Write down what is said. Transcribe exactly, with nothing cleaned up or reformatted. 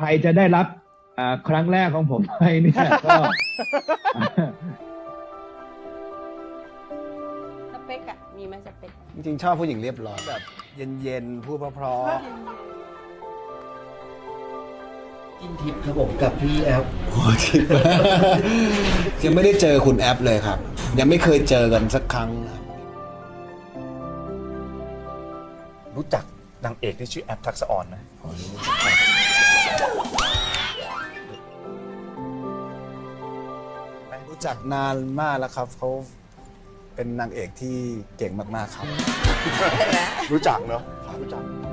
รจะได้รับครั้งแรกของผมไปเนี่ยก็สเปกอะมีไหมสเปกจริงๆชอบผู้หญิงเรียบร้อยแบบเย็นๆพูดเพราะกินทิพย์ครับผมกับพี่แอฟๆโอ้ทิปยังไม่ได้เจอคุณแอปเลยครับ ยังไม่เคยเจอกันสักครั้งครับรู้จักนางเอกที่ชื่อแอปทักษะออนไหมรู้จักนานมากแล้วครับเขาเป็นนางเอกที่เก่งมากๆครับรู้จักเนอะรู้จัก